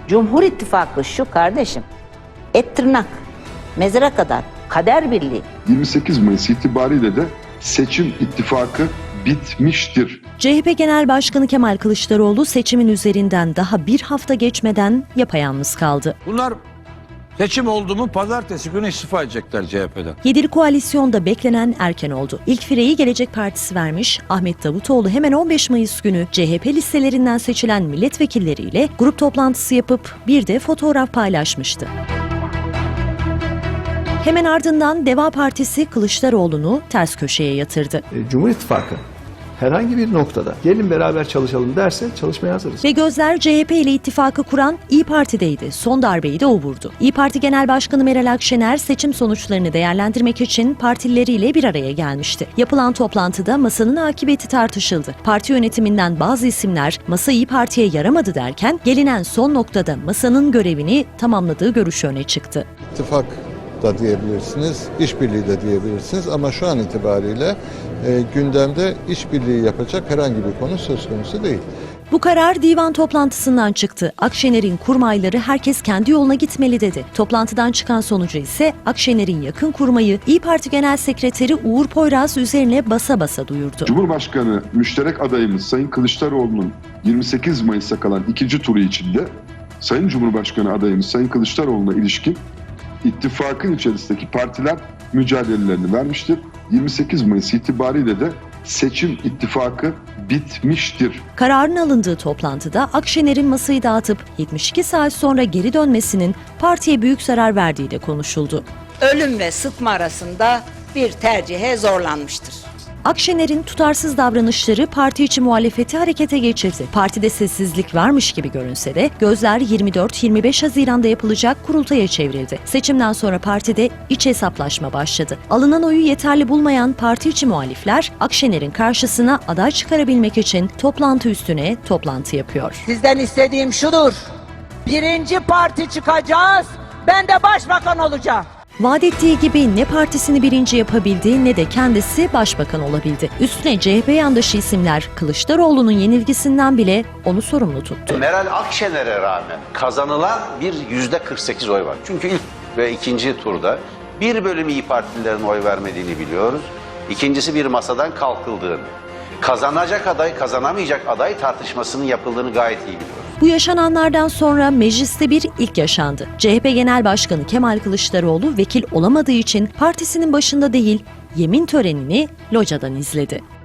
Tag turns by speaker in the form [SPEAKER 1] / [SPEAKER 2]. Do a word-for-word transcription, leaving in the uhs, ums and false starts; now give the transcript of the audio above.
[SPEAKER 1] Cumhur İttifakı şu kardeşim. Et tırnak, mezara kadar, kader birliği.
[SPEAKER 2] yirmi sekiz Mayıs itibariyle de seçim ittifakı bitmiştir.
[SPEAKER 3] C H P Genel Başkanı Kemal Kılıçdaroğlu seçimin üzerinden daha bir hafta geçmeden yapayalnız kaldı.
[SPEAKER 4] Bunlar seçim oldu mu pazartesi günü istifa edecekler C H P'den.
[SPEAKER 3] Yedili koalisyonda beklenen erken oldu. İlk fireyi Gelecek Partisi vermiş, Ahmet Davutoğlu hemen on beş Mayıs günü C H P listelerinden seçilen milletvekilleriyle grup toplantısı yapıp bir de fotoğraf paylaşmıştı. Hemen ardından Deva Partisi Kılıçdaroğlu'nu ters köşeye yatırdı.
[SPEAKER 5] Cumhur İttifakı herhangi bir noktada gelin beraber çalışalım derse çalışmaya hazırız.
[SPEAKER 3] Ve gözler C H P ile ittifakı kuran İYİ Parti'deydi. Son darbeyi de o vurdu. İYİ Parti Genel Başkanı Meral Akşener seçim sonuçlarını değerlendirmek için partileriyle bir araya gelmişti. Yapılan toplantıda masanın akıbeti tartışıldı. Parti yönetiminden bazı isimler masa İYİ Parti'ye yaramadı derken gelinen son noktada masanın görevini tamamladığı görüşü öne çıktı.
[SPEAKER 6] İttifak da diyebilirsiniz, işbirliği de diyebilirsiniz ama şu an itibariyle e, gündemde işbirliği yapacak herhangi bir konu söz konusu değil.
[SPEAKER 3] Bu karar divan toplantısından çıktı. Akşener'in kurmayları herkes kendi yoluna gitmeli dedi. Toplantıdan çıkan sonucu ise Akşener'in yakın kurmayı İYİ Parti Genel Sekreteri Uğur Poyraz üzerine basa basa duyurdu.
[SPEAKER 2] Cumhurbaşkanı müşterek adayımız Sayın Kılıçdaroğlu'nun yirmi sekiz Mayıs'a kalan ikinci turu içinde Sayın Cumhurbaşkanı adayımız Sayın Kılıçdaroğlu'na ilişkin ittifakın içerisindeki partiler mücadelelerini vermiştir. yirmi sekiz Mayıs itibariyle de seçim ittifakı bitmiştir.
[SPEAKER 3] Kararın alındığı toplantıda Akşener'in masayı dağıtıp yetmiş iki saat sonra geri dönmesinin partiye büyük zarar verdiği de konuşuldu.
[SPEAKER 1] Ölüm ve sıtma arasında bir tercihe zorlanmıştır.
[SPEAKER 3] Akşener'in tutarsız davranışları parti içi muhalefeti harekete geçirdi. Partide sessizlik varmış gibi görünse de gözler yirmi dört yirmi beş Haziran'da yapılacak kurultaya çevrildi. Seçimden sonra partide iç hesaplaşma başladı. Alınan oyu yeterli bulmayan parti içi muhalifler Akşener'in karşısına aday çıkarabilmek için toplantı üstüne toplantı yapıyor.
[SPEAKER 7] Sizden istediğim şudur. Birinci parti çıkacağız. Ben de başbakan olacağım.
[SPEAKER 3] Vaat ettiği gibi ne partisini birinci yapabildi ne de kendisi başbakan olabildi. Üstüne C H P yandaşı isimler Kılıçdaroğlu'nun yenilgisinden bile onu sorumlu tuttu.
[SPEAKER 8] Meral Akşener'e rağmen kazanılan bir yüzde kırk sekiz oy var. Çünkü ilk ve ikinci turda bir bölüm İYİ Partililerin oy vermediğini biliyoruz. İkincisi bir masadan kalkıldığını, kazanacak aday, kazanamayacak aday tartışmasının yapıldığını gayet iyi biliyoruz.
[SPEAKER 3] Bu yaşananlardan sonra mecliste bir ilk yaşandı. C H P Genel Başkanı Kemal Kılıçdaroğlu vekil olamadığı için partisinin başında değil, yemin törenini locadan izledi.